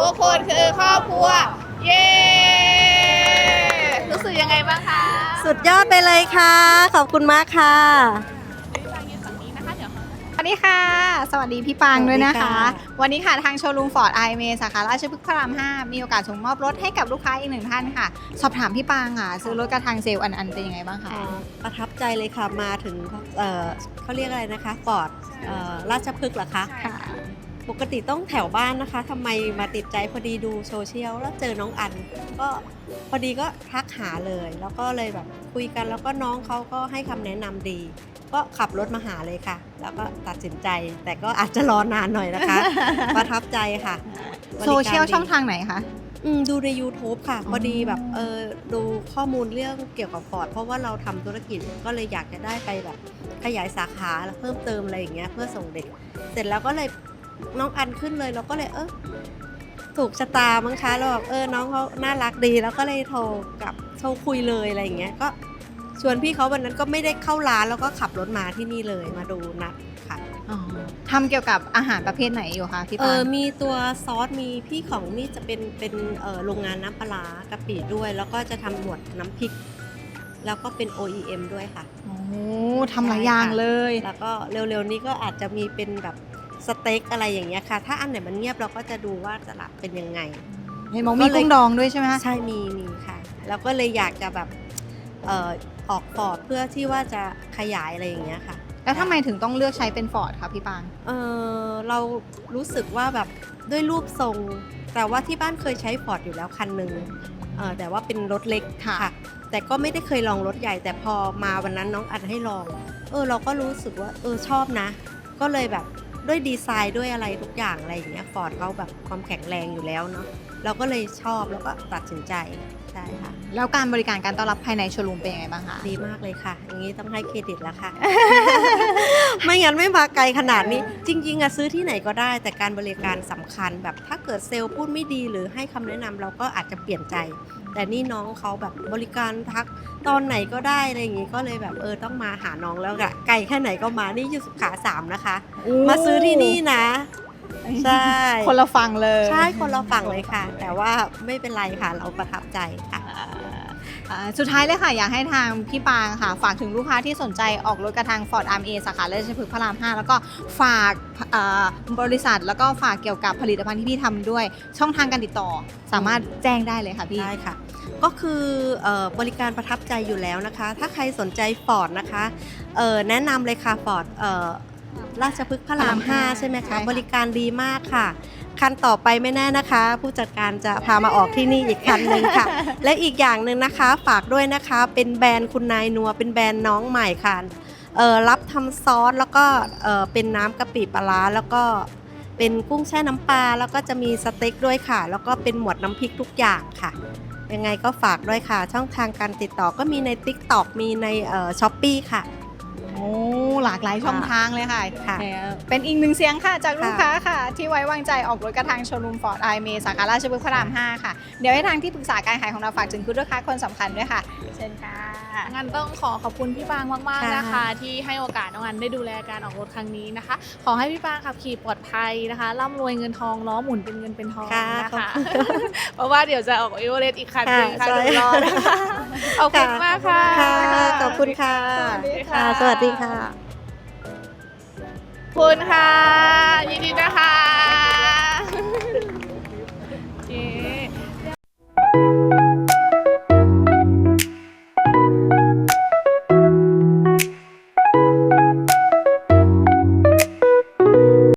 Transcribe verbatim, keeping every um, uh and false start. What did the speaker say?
กคนคือครอบครัวเย้รู้สึกยังไงบ้างคะสุดยอดไปเลยค่ะขอบคุณมากค่ะสวัสดีค่ะสวัสดีพี่ปางด้วยนะคะวันนี้ค่ะทางโชว์รูมฟอร์ดไอเมสาขาราชพฤกษ์พระรามห้ามีโอกาสส่งมอบรถให้กับลูกค้าอีกหนึ่งท่านค่ะสอบถามพี่ปางค่ะซื้อรถกระทางเซลล์อันอันเป็นยังไงบ้างคะประทับใจเลยค่ะมาถึงเอ่อเขาเรียกอะไรนะคะฟอร์ดราชพฤกษ์เหรอคะค่ะปกติต้องแถวบ้านนะคะทำไมมาติดใจพอดีดูโซเชียลแล้วเจอน้องอันก็พอดีก็ทักหาเลยแล้วก็เลยแบบคุยกันแล้วก็น้องเขาก็ให้คำแนะนำดีก็ขับรถมาหาเลยค่ะแล้วก็ตัดสินใจแต่ก็อาจจะรอนานหน่อยนะคะ ประทับใจค่ะโซเชียลช่องทางไหนคะอืมดูใน ยูทูบ ค่ะพอดีแบบเออดูข้อมูลเรื่องเกี่ยวกับฟอร์ดเพราะว่าเราทำธุรกิจก็เลยอยากจะได้ไปแบบขยายสาขาแล้วเพิ่มเติมอะไรอย่างเงี้ยเพื่อส่งเด็กเสร็จแล้วก็เลยน้องอันขึ้นเลยเราก็เลยเออถูกชะตามั้งคะเราแบบเออน้องเขาน่ารักดีแล้วก็เลยโทรกับโทรคุยเลยอะไรอย่างเงี้ยก็ชวนพี่เขาวันนั้นก็ไม่ได้เข้าร้านแล้วก็ขับรถมาที่นี่เลยมาดูนัดค่ะทำเกี่ยวกับอาหารประเภทไหนอยู่คะพี่ปานเออมีตัวซอสมีพี่ของนี่จะเป็นเป็นเอ่อโรงงานน้ำปลากะปิด้วย แล้วก็จะทำหมวดน้ำพริก แล้วก็เป็น โอ อี เอ็ม ด้วยค่ะโอ้ทำหลายอย่างเลยแล้วก็เร็วๆนี้ก็อาจจะมีเป็นแบบสเต็กอะไรอย่างเงี้ยค่ะถ้าอันไหนมันเงียบเราก็จะดูว่าตลาดเป็นยังไงเห็นบอกมีกุ้งดองด้วยใช่ไหมใช่มีมีค่ะแล้วก็เลยอยากจะแบบเอ่อออกฟอร์ดเพื่อที่ว่าจะขยายอะไรอย่างเงี้ยค่ะแล้วทำไมถึงต้องเลือกใช้เป็นฟอร์ดคะพี่ปางเออเรารู้สึกว่าแบบด้วยรูปทรงแต่ว่าที่บ้านเคยใช้ฟอร์ดอยู่แล้วคันหนึ่งเออแต่ว่าเป็นรถเล็กค่ะแต่ก็ไม่ได้เคยลองรถใหญ่แต่พอมาวันนั้นน้องอัดให้ลองเออเราก็รู้สึกว่าเออชอบนะก็เลยแบบด้วยดีไซน์ด้วยอะไรทุกอย่างอะไรอย่างเงี้ยฟอร์ดเขาแบบความแข็งแรงอยู่แล้วเนาะเราก็เลยชอบแล้วก็ตัดสินใจใช่ค่ะแล้วการบริการการต้อนรับภายในโชว์รูมเป็นยังไงบ้างคะดีมากเลยค่ะอย่างนี้ต้องให้เครดิตแล้วค่ะ ไม่งั้นไม่มาไกลขนาดนี้จริงๆอะซื้อที่ไหนก็ได้แต่การบริการสำคัญแบบถ้าเกิดเซลล์พูดไม่ดีหรือให้คำแนะนำเราก็อาจจะเปลี่ยนใจแต่นี่น้องเขาแบบบริการทักตอนไหนก็ได้อะไรอย่างงี้ก็เลยแบบเออต้องมาหาน้องแล้วอะไกลแค่ไหนก็มานี่อยู่สุขาสามนะคะมาซื้อที่นี่นะใช่คนละฝั่งเลยใช่คนละฝั่งเลยค่ะแต่ว่าไม่เป็นไรค่ะเราประทับใจค่ะสุดท้ายเลยค่ะอยากให้ทางพี่ปางค่ะฝากถึงลูกค้าที่สนใจออกรถกระทาง Ford อาร์ เอ็ม เอ สาขาราชพฤกษ์พระรามห้าแล้วก็ฝากบริษัทแล้วก็ฝากเกี่ยวกับผลิตภัณฑ์ที่พี่ทำด้วยช่องทางการติดต่อสามารถแจ้งได้เลยค่ะพี่ได้ค่ะก็คือบริการประทับใจอยู่แล้วนะคะถ้าใครสนใจ Ford นะคะแนะนำเลยค่ะ Ford ราชพฤกษ์พระรามห้าใช่ไหมคะบริการดีมากค่ะคันต่อไปไม่แน่นะคะผู้จัดการจะพามาออกที่นี่อีกคันหนึ่งค่ะและอีกอย่างหนึ่งนะคะฝากด้วยนะคะเป็นแบรนด์คุณนายนัวเป็นแบรนด์น้องใหม่ค่ะรับทำซอสแล้วก็เป็นน้ำกะปิปลาร้าแล้วก็เป็นกุ้งแช่น้ำปลาแล้วก็จะมีสเต็กด้วยค่ะแล้วก็เป็นหมวดน้ำพริกทุกอย่างค่ะยังไงก็ฝากด้วยค่ะช่องทางการติดต่อก็มีใน ติ๊กต็อก มีในช้อปปี้ค่ะโอ้หลากหลายช่องทางเลยค่ะเป็นอีกหนึ่งเสียงค่ะจากลูกค้าค่ะที่ไว้วางใจออกรถกระทางโชว์รูมฟอร์ดไอเมสาขาราชพฤกษ์พระรามห้าค่ะเดี๋ยวให้ทางที่ปรึกษาการขายของเราฝากถึงคุณลูกค้าคนสำคัญด้วยค่ะเชิญค่ะงั้นต้องขอขอบคุณพี่ปางมากๆนะคะที่ให้โอกาสน้องอันได้ดูแลการออกรถครั้งนี้นะคะขอให้พี่ปางขับขี่ปลอดภัยนะคะร่ำรวยเงินทองล้อหมุนเป็นเงินเป็นทองนะคะเพราะว่าเดี๋ยวจะออกอีโวเลสอีกคันหนึ่งค่ะเดี๋ยวรอนะคะขอบคุณมากค่ะขอบคุณค่ะสวัสดีค่ะคุณค่ะยินดีนะคะ